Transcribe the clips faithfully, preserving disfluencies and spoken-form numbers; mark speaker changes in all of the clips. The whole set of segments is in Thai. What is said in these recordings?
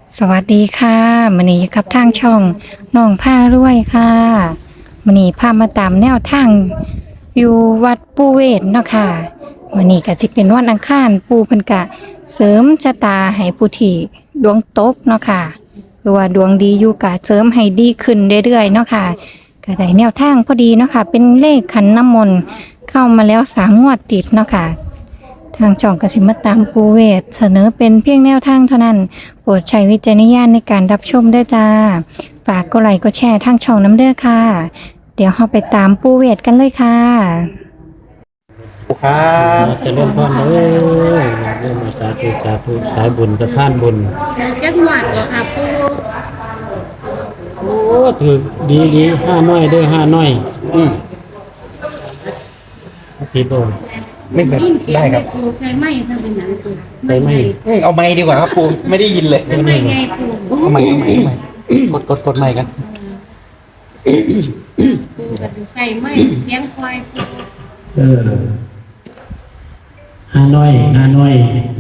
Speaker 1: สวัสดีค่ะมื้อนี้อยู่กับทางช่องน้องผ้ารวยค่ะมื้อนี้พามาตามแนวทางอยู่วัดปูเวศเนาะค่ะมื้อนี้ก็สิเป็นวันอังคารปูเพิ่นก็เสริมชะตาให้ผู้ที่ดวงตกเนาะค่ะหรือว่าดวงดีอยู่ก็เสริมให้ดีขึ้นเรื่อยๆเนาะค่ะก็ได้แนวทางพอดีเนาะค่ะเป็นเลขขันน้ำมนต์เข้ามาแล้วสามงวดติดเนาะค่ะ ทางช่องกสิมาตามปูเวศเสนอเป็นเพียงแนวทางเท่านั้นโปรดใช้วิจารณญาณในการรับชมด้วยจ้าฝากกดไลค์กดแชร์ทางช่องน้ำเด้อค่ะ เดี๋ยวเราไปตามปูเวศกันเลยค่ะ
Speaker 2: ครับ
Speaker 3: จะเริ่มต้นเลยเริ่มมาสาธุสาธุสายบุญสะพานบุญ
Speaker 4: เดี๋ยวจักหวัดเหรอค่ะปู
Speaker 3: โอ้ถือดีดีห้าน้อยเด้อห้าน้อย
Speaker 2: อืม
Speaker 3: ผิดโดน
Speaker 2: ไม่เป็นได้ครับ
Speaker 4: ปูใช้ไม้ทำเป็นหนังปู
Speaker 3: ใช้ไม้
Speaker 2: อืมเอาไม้ดีกว่าครับปูไม่ได้ยินเลย
Speaker 4: เป็นไม้ไงปู
Speaker 2: เอาไม้เอาไม้เอาไม้กดกดกดไม้กัน
Speaker 4: ปูกับใส่ไม้เสียงควายปู
Speaker 3: เออห้าน้อยห้าน้อย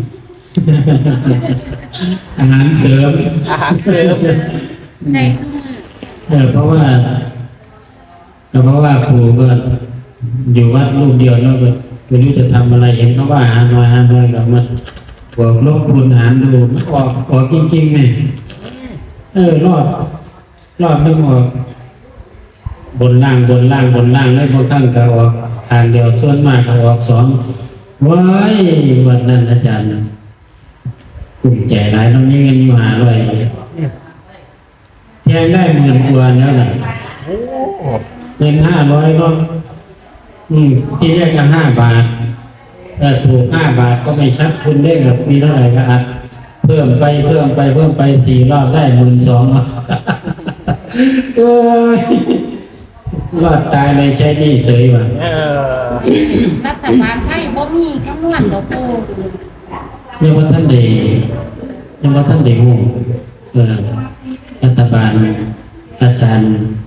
Speaker 3: อาหารเสริม
Speaker 2: อาหารเสริม
Speaker 4: ได้ซุ้ม
Speaker 3: เออเพราะว่าเพราะว่าครูก็อยู่วัดรูปเดียวแล้วก็ไม่รู้จะทำอะไรเห็นเขาว่าหาน้อยหาน้อยก็มาบวกลบคูณหารดูมันออกออกจริงๆไหมเออรอดรอดไม่ออกบนล่างบนล่างบนล่างได้บางครั้งก็ออกทางเดียวส่วนมากก็ออกสองว้ายวันนั้นอาจารย์กลุ่มใจหลายน้องนี้เงินอยู่หาร้อยแทงได้หมื่นกว่าแล้วนะ
Speaker 2: โอ้
Speaker 3: เงินห้าร้อยเนาะอืมที่แรกจะห้าบาทเออถูกห้าบาทก็ไม่ชัดคุณได้แบบมีเท่าไหร่ก็อัดเพิ่มไปเพิ่มไปเพิ่มไปสี่รอบได้หมื่นสองโอ้ยรอดตายเลยใช้หนี่เสยว่ะ
Speaker 2: เออ
Speaker 4: รัฐบาลไทยบ่มีคำนวณเหรอปู
Speaker 3: ยังว่าท่านเดยังว่าท่านเดงูเออรัฐบาลอาจารย์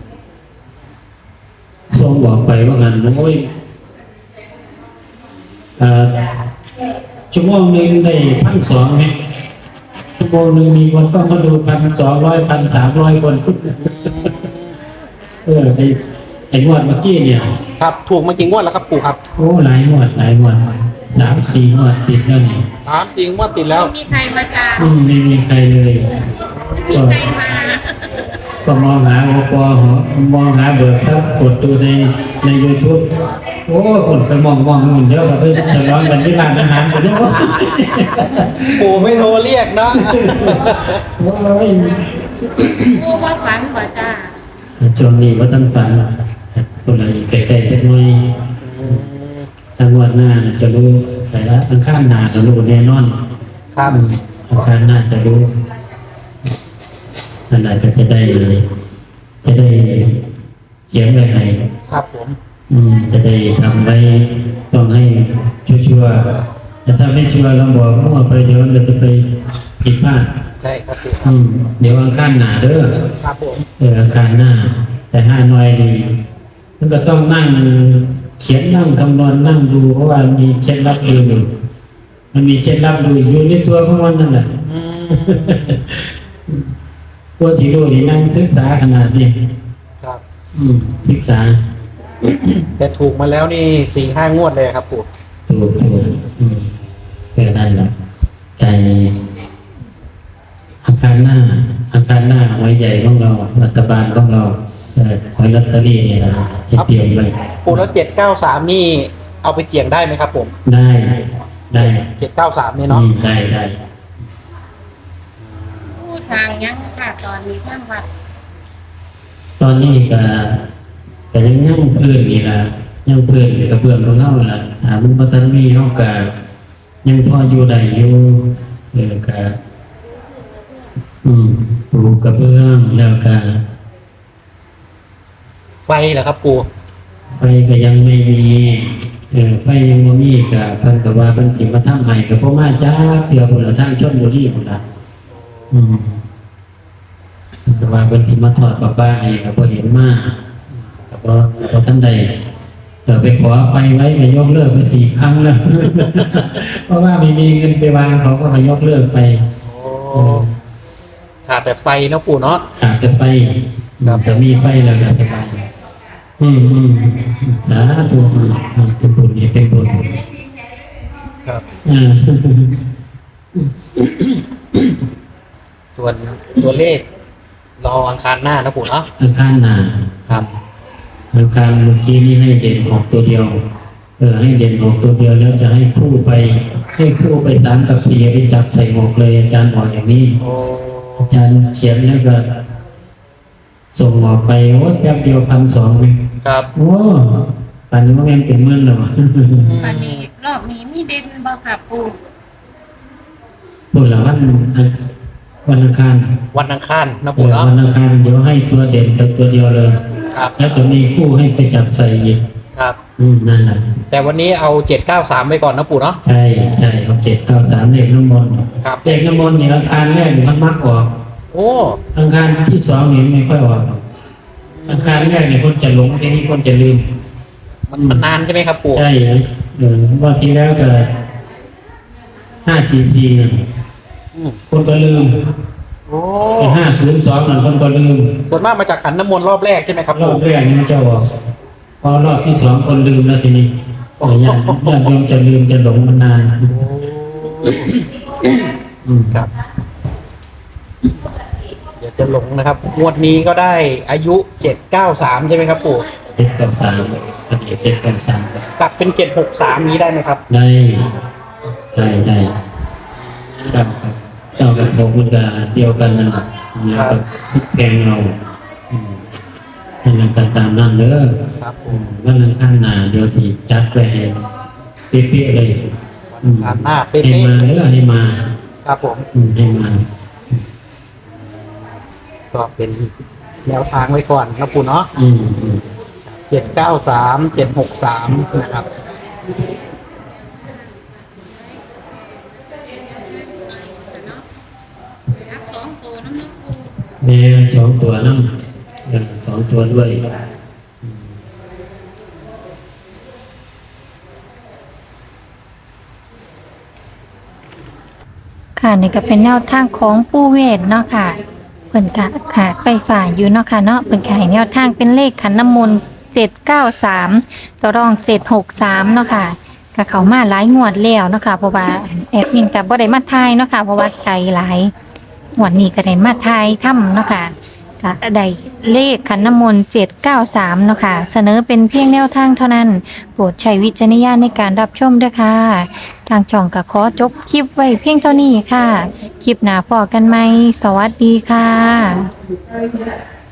Speaker 3: ทรงบอกไปว่างันโอ้ยเอ่อชั่วโมงหนึ่งได้พันสองไหมชั่วโมงหนึ่งมีคนก็มาดูพันสองร้อยพันสามร้อยคนเออไอ้ไอ้งวดเมื่อกี้เนี่ย
Speaker 2: ครับถูกมากี่งวดแล้วครับปูครับ
Speaker 3: โอ้หลายงวดหลายงวดสามสี่งวดติดแล้วนี่
Speaker 2: ถามจริงว่าติดแล้ว
Speaker 4: ไม่มีใครมาตาม
Speaker 3: อืมไม่มีใครเลย
Speaker 4: ไม่มีใครมา
Speaker 3: ก็มองหาโอปอหอมองหาเบิร์ดซับกดดูในในยูทูบโอ้คนไปมองมองนู่นเยอะกับไปฉลองกันที่ร้านอาหารกันเยอะ
Speaker 2: ปูไม่โทรเรียกนะ
Speaker 3: โอ้ย
Speaker 4: ปูว่าฝันบ่จ้า
Speaker 3: จนนี้ว่าตั้งฝันคนอะไรไกลๆจักหน่อยทางวันหน้าน่ะจะรู้ไปละทางข้างหน้าจะรู้แน่นอน
Speaker 2: ครับ
Speaker 3: ทางข้างหน้าจะรู้นั่นแหละก็จะได้ จะได้เขียนไว้ให้
Speaker 2: ครับผม
Speaker 3: อืมจะได้ทำไว้ต้องให้ชัวร์ๆแต่ถ้าไม่ชัวร์เราบอกว่าไปเดี๋ยวเราจะไปผิดพลาด
Speaker 2: ใช่ครับปู
Speaker 3: อืมเดี๋ยวอังคารหน้าเด้อ
Speaker 2: ครับผม
Speaker 3: เอออังคารหน้า แต่ห้าน้อยดีมันก็ต้องนั่งเขียนนั่งคำนวณนั่งดูเพราะว่ามีเคล็ดลับดูอยู่มันมีเคล็ดลับดูอยู่ในตัวของมันนั่นแหละ
Speaker 2: อืม
Speaker 3: พวกที่รู้นี่นั่งศึกษาขนาดนี้
Speaker 2: ครับ
Speaker 3: อืมศึกษา
Speaker 2: แต่ถูกมาแล้วนี่สี่ห้างวดเลยครับปู
Speaker 3: ถูกถูกอืมแค่นั้นแหละใจอาคารหน้าอาคารหน้าหอยใหญ่ของเรารัฐบาลของเราเออหอยลอตเตอรี่เนี่ยนะให้เตรียมไว้
Speaker 2: ปูแล้วเจ็ดเก้าสามนี่เอาไปเสี่ยงได้ไหมครับผม
Speaker 3: ได้ได้
Speaker 2: เจ็ดเก้าสามนี่เนาะ
Speaker 3: อืมได้ได้
Speaker 4: ปูสร้างยังค่ะตอนนี้ทั้งวัด
Speaker 3: ตอนนี้ก็ก็ยังย่างพื้นนี่ละย่างพื้นกระเบื้องของเฮาล่ะถามมันบ่ทันมีเฮาก็ยังพออยู่ได้อยู่เออก็อืมปูกระเบื้องแล้วก็
Speaker 2: ไฟเหรอครับปู
Speaker 3: ไฟก็ยังไม่มีเออไฟยังบ่มีก็เพิ่นก็ว่าเพิ่นสิมาทำใหม่ก็บ่มาจักเทื่อพุ่นละทางชลบุรีพุ่นล่ะอืมเพิ่นก็ว่าเพิ่นสิมาทอดประปาให้ก็บ่เห็นมาก็บ่ก็บ่ทันได้เออไปขอไฟไว้ก็ยกเลิกไปสี่ครั้งแล้ว เพราะว่าไม่มีเงินไปวางเขาก็ยกเลิกไป
Speaker 2: โอ้
Speaker 3: เออ
Speaker 2: ขาดแต่ไฟนะปู่เนาะ
Speaker 3: ขาดแต่ไฟ
Speaker 2: ครับ
Speaker 3: แต่มีไฟแล้วก็สบายอืมอืมสาธุอืมอืมเป็นบุญเนี่ยเป็นบุญ
Speaker 2: ครับ
Speaker 3: อ่า
Speaker 2: ส่วนตัวเลขรออังคารหน้านะปู่เนาะ
Speaker 3: อังคารหนา
Speaker 2: ครับ
Speaker 3: อังคารเมื่อกี้นี้ให้เด่นออกตัวเดียว เออให้เด่นออกตัวเดียวแล้วจะให้คู่ไป ให้คู่ไปสามกับสี่ไปจับใส่หมวกเลยอาจารย์บอกอย่างนี้
Speaker 2: โอ้
Speaker 3: อาจารย์เขียนแล้วก็ส่งออกไปโอ้แป๊บเดียวพันสองเลย
Speaker 2: ครับ
Speaker 3: โอ้ป่านนี้ว่าแม่นเป็นหมื่นแล้ว
Speaker 4: วันนี้รอบนี้มีเด่นบ่ค่ะปู
Speaker 3: บุญละวันอังวันอังคาร
Speaker 2: วันอังคารนะ
Speaker 3: เอ
Speaker 2: ปู่
Speaker 3: อ
Speaker 2: เนาะ
Speaker 3: วันอังคารเดี๋ยวให้ตัวเด่นไปตัวเดียวเลย
Speaker 2: ครับ
Speaker 3: แล้วจะมีคู่ให้ไปจับใส่อีก
Speaker 2: ครับ
Speaker 3: อืมนั่นแหละ
Speaker 2: แต่วันนี้เอาเจ็ดเก้าสามไปก่อนนะปู่เนาะ
Speaker 3: ใช่ใช่เอาเจ็ดเก้าสามเลขน้ำมนต์
Speaker 2: ครับ
Speaker 3: เลขน้ำมนต์เนี่ยอังคารแรกนี่มันมักออก
Speaker 2: โอ้
Speaker 3: อังคารที่สองนี่ไม่ค่อยออกหรอกอังคารแรกเนี่ยคนจะหลงทีนี้คนจะลืม
Speaker 2: มันมันนานใช่ไหมครับปู่
Speaker 3: ใช่เออวันที่แล้วก็ห้าสี่สี่เนี่ย
Speaker 2: อืม
Speaker 3: คนก็ลืม
Speaker 2: โอ้
Speaker 3: ไอ้ห้าศูนย์สองนั่นคนก็ลืม
Speaker 2: ส่วนมากมาจากขันน้ำมนต์รอบแรกใช่ไหมครับ
Speaker 3: รอ
Speaker 2: ปู่
Speaker 3: บแรกนี่มันจะออกพอรอบที่สองคนลืมแล้วทีนี้โอ้ยญาติญาติโยมจะลืมจะหลงมันนาน
Speaker 2: โอ้
Speaker 3: อืม
Speaker 2: ครับ เดี๋ยวจะหลงนะครับงวดนี้ก็ได้อายุเจ็ดเก้าสามใช่ไหมครับปู่
Speaker 3: เจ็ดกับสามอันนี้เจ็ดกับสาม
Speaker 2: กลับเป็นเจ็ดหกสามนี้ได้ไหมครับ
Speaker 3: ได้ได้ได้ครับครับเจ้ากับผมมันก็เดียวกันนั่นแหละแล้วกับแกงเราอืมนั่นแหละก็ตามนั่นเด้อ
Speaker 2: ครับ
Speaker 3: อืมวันนั้นข้างหน้าเดี๋ยวที่จัดไปให้เป๊ะๆเลยอืม
Speaker 2: ผ่านหน้าเป๊ะ
Speaker 3: ให้มาเด้อให้มา
Speaker 2: ๆครับผม
Speaker 3: อืมให้มา
Speaker 2: ก็เป็นแนวทางไว้ก่อนนะปู่เนาะ
Speaker 3: อืมอืม
Speaker 2: เจ็ดเก้าสามเจ็ดหกสามนะครับ
Speaker 4: รับสองตัวน้ำน้ำปู
Speaker 3: แม่สองตัวนั่งเออสองตัวด้วย
Speaker 1: ค่ะนี่ก็เป็นแนวทางของปูเวทเนาะค่ะเพิ่นกะขาดไฟฟ้าอยู่เนาะค่ะเนาะเพิ่นขายแนวทางเป็นเลขขันน้ำมนต์เจ็ดเก้าสามตัวรองเจ็ดหกสามเนาะค่ะก็เข้ามาหลายงวดแล้วเนาะค่ะเพราะว่าแอดมินก็บ่ได้มาทายเนาะค่ะเพราะว่าไกลหลายงวดนี้ก็ได้มาทายถ้ำเนาะค่ะก็ได้เลขขันน้ำมนต์เจ็ดเก้าสามเนาะค่ะเสนอเป็นเพียงแนวทางเท่านั้นโปรดใช้วิจารณญาณในการรับชมด้วยค่ะ ทางช่องก็ขอจบคลิปไว้เพียงเท่านี้ค่ะ คลิปหน้าพอกันไหม สวัสดีค่ะ